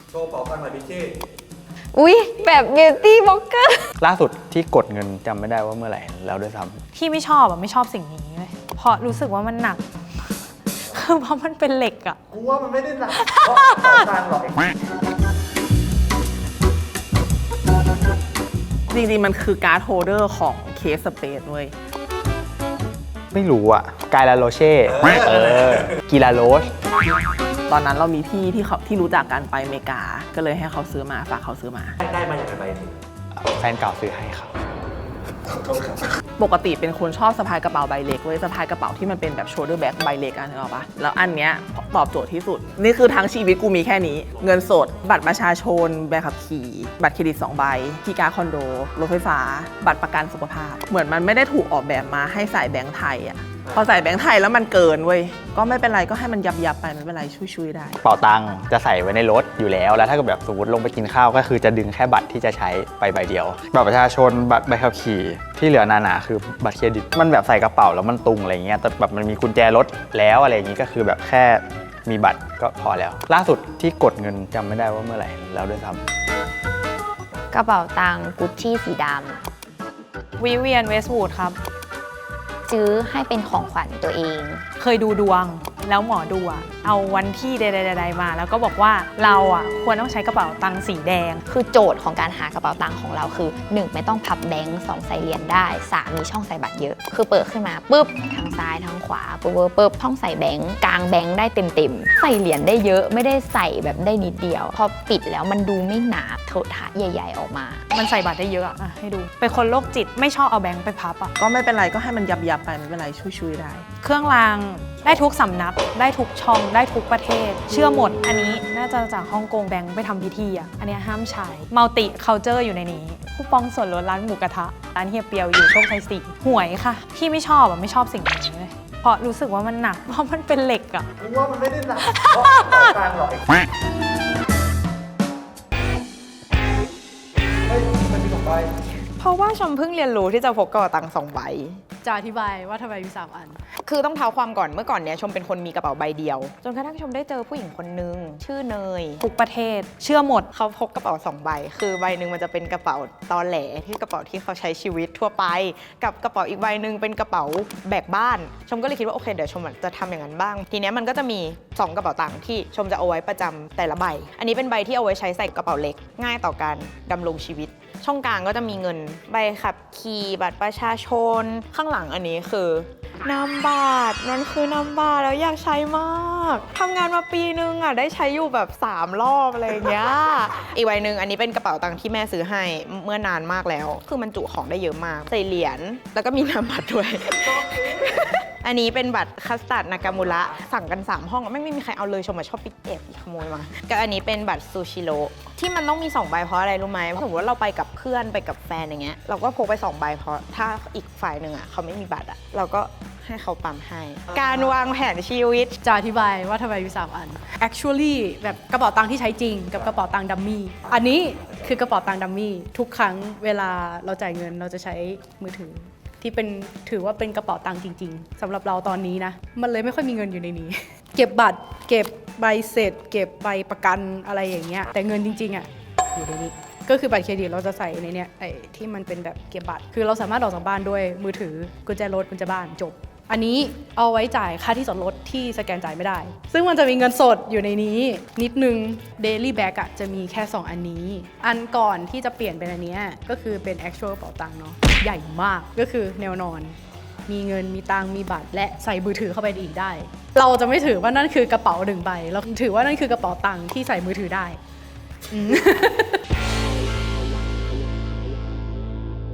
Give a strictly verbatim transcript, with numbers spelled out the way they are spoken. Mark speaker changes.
Speaker 1: โชว์เป๋าตังค์หน่อยพี่ชี่
Speaker 2: อุ๊ยแบบบิวตี้บล็อกเกอร์
Speaker 3: ล่าสุดที่กดเงินจำไม่ได้ว่าเมื่อไหร่แล้วด้วยซ้ำ
Speaker 4: พี่ไม่ชอบอ่ะไม่ชอบสิ่งนี้เลยเพราะรู้สึกว่ามันหนักคือเพราะมันเป็นเหล็กอ่ะ
Speaker 1: กูว่ามันไม่ได้หนักเพราะเป๋าตังค์หรอก
Speaker 5: จริงๆมันคือการ์ดโฮลเดอร์ของเคสสเปซเว้ย
Speaker 3: ไม่รู้อ่ะกายลาโรเช่เออกีลาโรส
Speaker 5: ตอนนั้นเรามีพี่ที่เขาที่รู้จักกันไปอเมริกาก็เลยให้เขาซื้อมาฝากเขาซื้อมา
Speaker 1: ได้มาอย่างไรถึง
Speaker 3: แฟนเก่าซื้อให้ครับ
Speaker 5: ปกติเป็นคนชอบสะพายกระเป๋าใบเล็กเว้ยสะพายกระเป๋าที่มันเป็นแบบโชลเดอร์แบ็คใบเล็กอันนึกออกปะแล้วอันเนี้ยตอบโจทย์ที่สุดนี่คือทั้งชีวิตกูมีแค่นี้เงินสดบัตรประชาชนใบขับขี่บัตรเครดิตสองใบที่การ์ดคอนโดรถไฟฟ้าบัตรประกันสุขภาพเหมือนมันไม่ได้ถูกออกแบบมาให้ใส่แบงค์ไทยอะพอใส่แบงค์ไทยแล้วมันเกินเว้ยก็ไม่เป็นไรก็ให้มันยับยับไปไม่เป็นไรช่วยๆได้
Speaker 3: เป๋าตังค์จะใส่ไว้ในรถอยู่แล้วแล้วถ้าเกิดแบบสมมติลงไปกินข้าวก็คือจะดึงแค่บัตรที่จะใช้ไปใบเดียวบัตรประชาชนบัตรใบขับขี่ที่เหลือหนาๆคือบัตรเครดิตมันแบบใส่กระเป๋าแล้วมันตุงอะไรเงี้ยแต่แบบมันมีกุญแจรถแล้วอะไรอย่างงี้ก็คือแบบแค่มีบัตรก็พอแล้วล่าสุดที่กดเงินจำไม่ได้ว่าเมื่อไหร่แล้วด้วยซ้
Speaker 2: ำกระเป๋าตังค์กุชชี่สีด
Speaker 4: ำวิเวียนเวสต์วูดครับ
Speaker 2: ซื้อให้เป็นของขวัญตัวเอง
Speaker 4: เคยดูดวงแล้วหมอดูอะเอาวันที่ใดๆๆมาแล้วก็บอกว่าเราอะควรต้องใช้กระเป๋าตังค์สีแดง
Speaker 2: คือโจทย์ของการหากระเป๋าตังค์ของเราคือหนึ่งไม่ต้องพับแบงค์สองใส่เหรียญได้สามมีช่องใส่บัตรเยอะคือเปิดขึ้นมาปุ๊บทางซ้ายทางขวาปุ๊บปุ๊บช่องใส่แบงค์กลางแบงค์ได้เต็มๆใส่เหรียญได้เยอะไม่ได้ใส่แบบได้นิดเดียวพอปิดแล้วมันดูไม่หนาเถอะทะใหญ่ๆออกมา
Speaker 4: มันใส่บัตรได้เยอะอะให้ดูเป็นคนโรคจิตไม่ชอบเอาแบงค์ไปพับอะ
Speaker 5: ก็ไม่เป็นไรก็ให้มันยับยับไปไม่เป็นไรช่วยๆได้
Speaker 4: เครื่องรางได้ทุกสำนักได้ทุกช่องได้ทุกประเทศเชื่อหมดอันนี้น่าจะจากฮ่องกงแบงค์ไปทำพิธีอ่ะอันนี้ห้ามใช้มัลติคัลเจอร์อยู่ในนี้คูปองส่วนลดร้านหมูกระทะร้านเฮียเปียวอยู่โชคชัยสี่หวยค่ะพี่ไม่ชอบอ่ะไม่ชอบสิ่งนี้เลยเพราะรู้สึกว่ามันหนักเพราะมันเป็นเหล็กอ่ะ
Speaker 1: กูว่ามันไม่ได้หนักเพราะเป๋าตังค์หรอกเฮ้ยมันมีสองใบ
Speaker 6: เพราะว่าชมเพิ่งเรียนรู้ที่จะพกกระเป๋าตังค์สองใบ
Speaker 4: จะอธิบายว่าทำไมมีสามอัน
Speaker 6: คือต้องเท้าความก่อนเมื่อก่อนเนี้ยชมเป็นคนมีกระเป๋าใบเดียวจนกระทั่งชมได้เจอผู้หญิงคนนึงชื่อเนย
Speaker 4: ทุกประเทศเชื่อหมด
Speaker 6: เขาพกกระเป๋าสองใบคือใบหนึ่งมันจะเป็นกระเป๋าตอแหลที่กระเป๋าที่เขาใช้ชีวิตทั่วไปกับกระเป๋าอีกใบหนึ่งเป็นกระเป๋าแบกบ้านชมก็เลยคิดว่าโอเคเดี๋ยวชมจะทำอย่างนั้นบ้างทีเนี้ยมันก็จะมีสองกระเป๋าตังค์ที่ชมจะเอาไว้ประจำแต่ละใบอันนี้เป็นใบที่เอาไว้ใช้ใส่กระเป๋าเล็กง่ายต่อการดำรงชีวิตช่องกลางก็จะมีเงินใบขับขี่บัตรประชาชนข้างหลังอันนี้คือนามบัตรมันคือนามบัตรแล้วอยากใช้มากทำงานมาปีนึงอ่ะได้ใช้อยู่แบบสามรอบอะไรอย่างเงี้ยอีกใบหนึ่งอันนี้เป็นกระเป๋าตังค์ที่แม่ซื้อให้เมื่อนานมากแล้วคือมันจุของได้เยอะมากใส่เหรียญแล้วก็มีนามบัตรด้วย อันนี้เป็นบัตรคัสตาร์ดนากามูระสั่งกันสามห้องไม่ไม่มีใครเอาเลยชมมาชอบปิดแอบขโมยมาก็อันนี้เป็นบัตรซูชิโร่ที่มันต้องมีสองใบเพราะอะไรรู้ไหมสมมติว่าเราไปกับเพื่อนไปกับแฟนอย่างเงี้ยเราก็พกไปสองใบเพราะถ้าอีกฝ่ายหนึ่งอ่ะเขาไม่มีบัตรอ่ะเราก็ให้เขาปั๊มให้การวางแผนชีวิต
Speaker 4: จะอธิบายว่าทำไมมีสามอัน actually แบบกระเป๋าตังค์ที่ใช้จริงกับกระเป๋าตังค์ดัมมี่อันนี้คือกระเป๋าตังค์ดัมมี่ทุกครั้งเวลาเราจ่ายเงินเราจะใช้มือถือที่เป็นถือว่าเป็นกระเป๋าตังค์จริงๆสำหรับเราตอนนี้นะมันเลยไม่ค่อยมีเงินอยู่ในนี้ เก็บบัตรเก็บใบเสร็จเก็บใบประกันอะไรอย่างเงี้ยแต่เงินจริงๆอ่ะอยู่ในนี้ก็คือบัตรเครดิตเราจะใส่ในเนี้ยไอ้ที่มันเป็นแบบเก็บบัตรคือเราสามารถออกจากบ้านด้วยมือถือกุญแจรถกุญแจบ้านจบอันนี้เอาไว้จ่ายค่าที่จอดรถที่สแกนจ่ายไม่ได้ซึ่งมันจะมีเงินสดอยู่ในนี้นิดนึง Daily Bag อะจะมีแค่สองอันนี้อันก่อนที่จะเปลี่ยนเป็นอันนี้ก็คือเป็น actual กระเป๋าตังค์เนาะใหญ่มากก็คือแนวนอนมีเงินมีตังค์มีบัตรและใส่มือถือเข้าไปอีกได้เราจะไม่ถือว่านั่นคือกระเป๋าหนึ่งใบเราถือว่านั่นคือกระเป๋าตังค์ที่ใส่มือถือได้